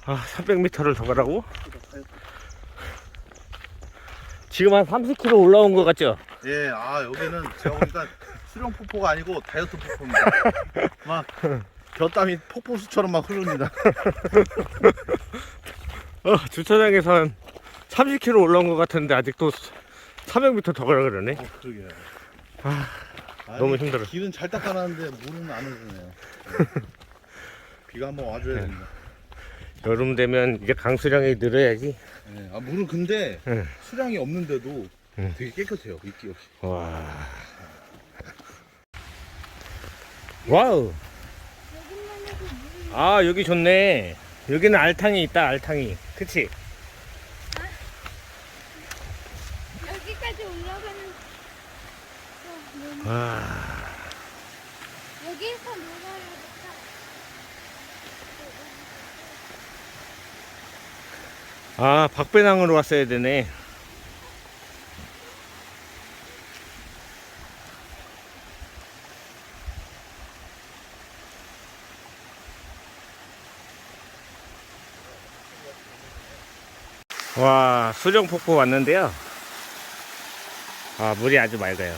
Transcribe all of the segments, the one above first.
아, 300m를 더 가라고? 지금 한 30km 올라온 것 같죠? 예, 여기는 제가 보니까 수령 폭포가 아니고 다이어트 폭포입니다. 막 곁땀이 폭포수처럼 막 흐릅니다. 주차장에서 한 30km 올라온 것 같은데 아직도 300m 더 가라 그러네. 그러게요. 너무 힘들어. 길은 잘 닦아놨는데 물은 안 흐르네요. 비가 한번 와줘야 됩니다. 여름 되면 이제 강수량이 늘어야지. 네, 물은 근데 응. 수량이 없는데도 응. 되게 깨끗해요. 이끼 없이. 와. 와우. 아, 여기 좋네. 여기는 알탕이 있다, 알탕이. 그치? 여기까지 올라가는 와. 여기에서 놀아야겠다. 아, 박배낭으로 왔어야 되네. 와, 수령폭포 왔는데요. 아, 물이 아주 맑아요.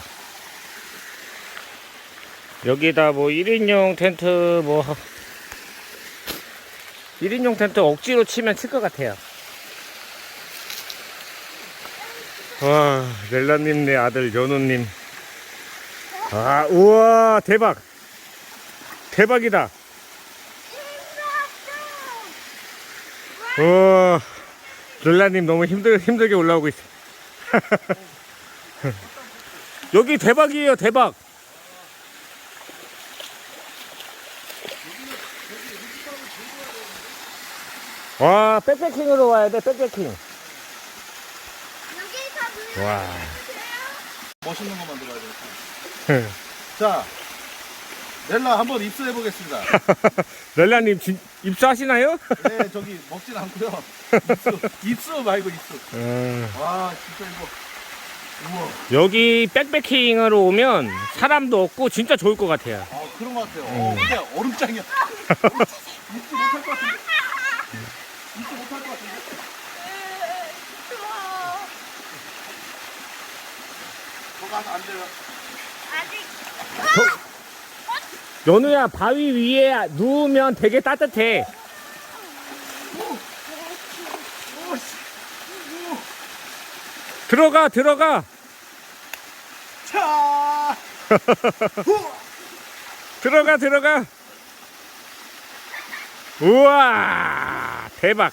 여기다 뭐 1인용 텐트 뭐 1인용 텐트 억지로 치면 칠 것 같아요. 와, 렐라님 내 아들 연우님. 아, 우와, 대박. 대박이다. 우와, 렐라님 너무 힘들게 올라오고 있어. 여기 대박이에요, 대박. 와, 백패킹으로 와야 돼, 백패킹. 여기서 물 와. 멋있는 거 만들어야 되겠다. 자, 넬라 한번 입수해 보겠습니다. 렐라님 입수하시나요? 네, 저기 먹진 않고요. 입수 말고 입수. 와, 진짜 이거. 우와. 여기 백패킹으로 오면 사람도 없고 진짜 좋을 것 같아요. 그런 것 같아요. 근데 얼음장이야. 입수 못할 것 같은데. 입수 못할 것 같은데. 추워. 저 가서 안 돼요. 아직 연우야, 바위 위에 누우면 되게 따뜻해. 들어가. 차. 들어가. 우와, 대박.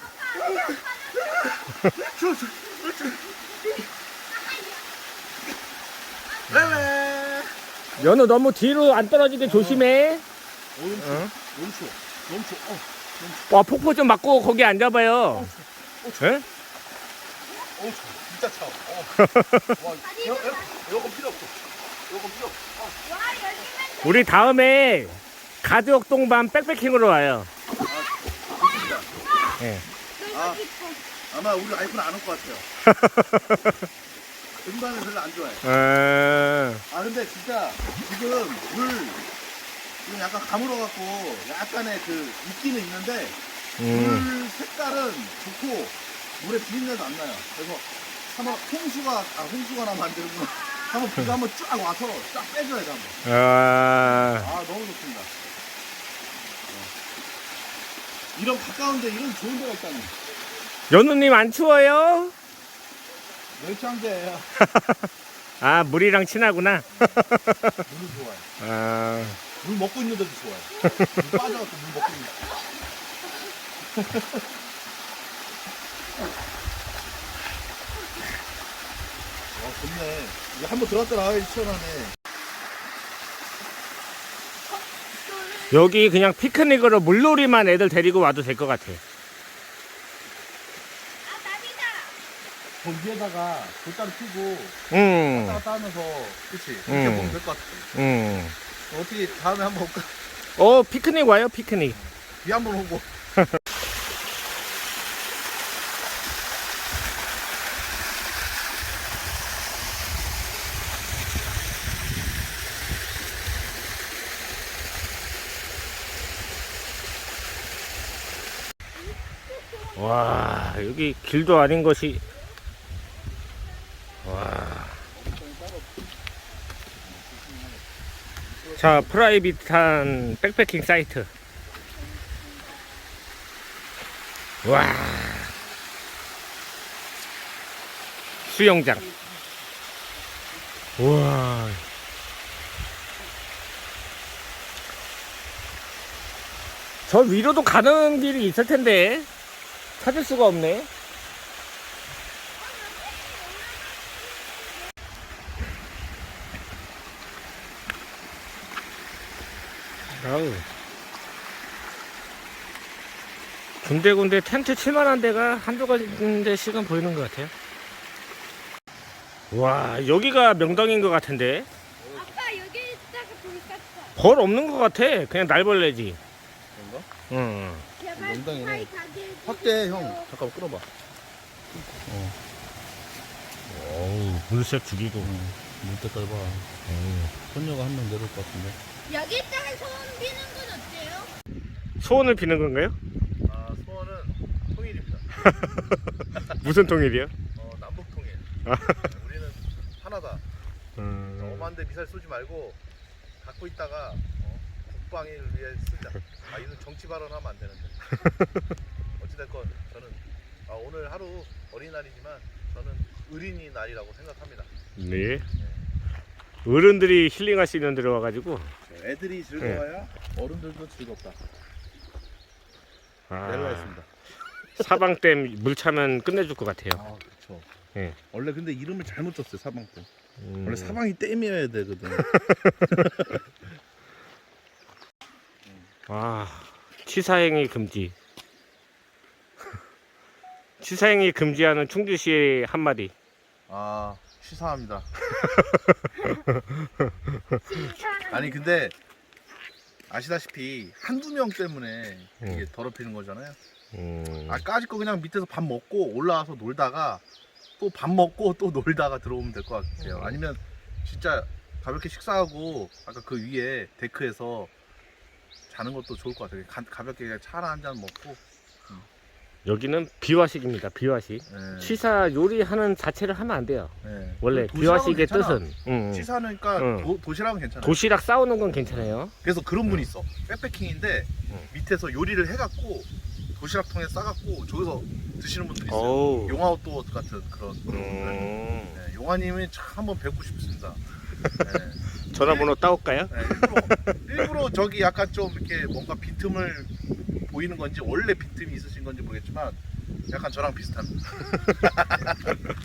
네네. 연우 너무 뒤로 안 떨어지게 조심해. 너무 추워. 너무 추워. 와, 폭포 좀 맞고 거기 앉아봐요. 예? 추워. 진짜 차워. 와, 에어컨 필요 없어. 에어컨 필요 없어. 와 여기만 우리 다음에 가족 동반 백패킹으로 와요. 좋습니다. 예. 놀고 싶어. 아마 우리 와이프는 안 올 것 같아요. 등반을 별로 안 좋아해. 근데 진짜 지금 지금 약간 가물어갖고 약간의 그 있기는 있는데 물 색깔은 좋고 물에 비린내도 안 나요. 그래서 한번 홍수가 나면 안 되는구나. 한번 비가 한번 쫙 와서 쫙 빼줘야 돼 한번. 너무 좋습니다. 이런 가까운데 이런 좋은 데가 있다니. 연우님 안 추워요? 멸치황제예요. 아, 물이랑 친하구나. 물을 좋아해. 물 먹고 있는데도 좋아해. 물 빠져갖고 물 먹고 있는. 좋네. 이제 한번 들어갔다 나와야지 시원하네. 여기 그냥 피크닉으로 물놀이만 애들 데리고 와도 될 것 같아. 아 나비다. 저 위에다가 돌다리 피고 음. 왔다 갔다 하면서 그치? 이렇게 보면 될 것 같아. 어떻게 다음에 한번 올까? 피크닉 와요, 피크닉. 비 한번 오고. 와, 여기 길도 아닌 것이. 와. 자, 프라이빗한 백패킹 사이트. 와. 수영장. 우와. 저 위로도 가는 길이 있을 텐데 찾을 수가 없네. 아우. 군데군데 텐트 칠만한 데가 한두 군데씩은 보이는 것 같아요. 와, 여기가 명당인 것 같은데. 아빠 여기 있다가 보니까 벌 없는 것 같아. 그냥 날벌레지. 그런가? 응. 제발 농담이네. 사이 가게 확대 형 잠깐 끌어봐. 어우, 물색 죽이고. 물 때까지 봐. 손녀가 한 명 내려올 것 같은데. 여기 있다가 소원 비는 건 어때요? 소원을 비는 건가요? 아 소원은 통일입니다. 무슨 통일이요? 남북 통일. 우리는 하나다. 엄한데 미사일 쏘지 말고 갖고 있다가 국방을 위해 쓰자. 이건 정치 발언하면 안 되는데. 어찌됐건 저는 오늘 하루 어린이날이지만 저는 어린이 날이라고 생각합니다. 네. 어른들이 힐링할 수 있는 데로 와가지고. 애들이 즐거워야 어른들도 즐겁다. 아, 내려왔습니다. 사방댐 물 차면 끝내줄 것 같아요. 아 그렇죠. 예. 원래 근데 이름을 잘못 줬어요 사방댐. 음. 원래 사방이 댐이어야 되거든. 아, 취사행위 금지. 취사행위 금지하는 충주시의 한마디. 취사합니다. 아니 근데 아시다시피 한두 명 때문에 이게 더럽히는 거잖아요. 까짓 거 그냥 밑에서 밥 먹고 올라와서 놀다가 또 밥 먹고 또 놀다가 들어오면 될 것 같아요. 아니면 진짜 가볍게 식사하고 아까 그 위에 데크에서 자는 것도 좋을 것 같아요. 가볍게 그냥 차 한 잔 먹고. 여기는 비화식입니다. 비화식. 예. 취사 요리하는 자체를 하면 안 돼요. 예. 원래 도시락은 비화식의 괜찮아. 뜻은 취사니까 응. 도시락은 괜찮아요. 도시락 싸우는 건 괜찮아요. 그래서 그런 분이 있어. 백패킹인데 응. 밑에서 요리를 해갖고 도시락통에 싸갖고 저기서 드시는 분들이 있어요. 어우. 용아웃도어 같은 그런 분들. 음. 네, 용아님이 참 한번 뵙고 싶습니다. 네. 전화번호 따올까요? 네, 일부러 저기 약간 좀 이렇게 뭔가 빈틈을 보이는 건지 원래 빈틈이 있으신 건지 모르겠지만 약간 저랑 비슷합니다.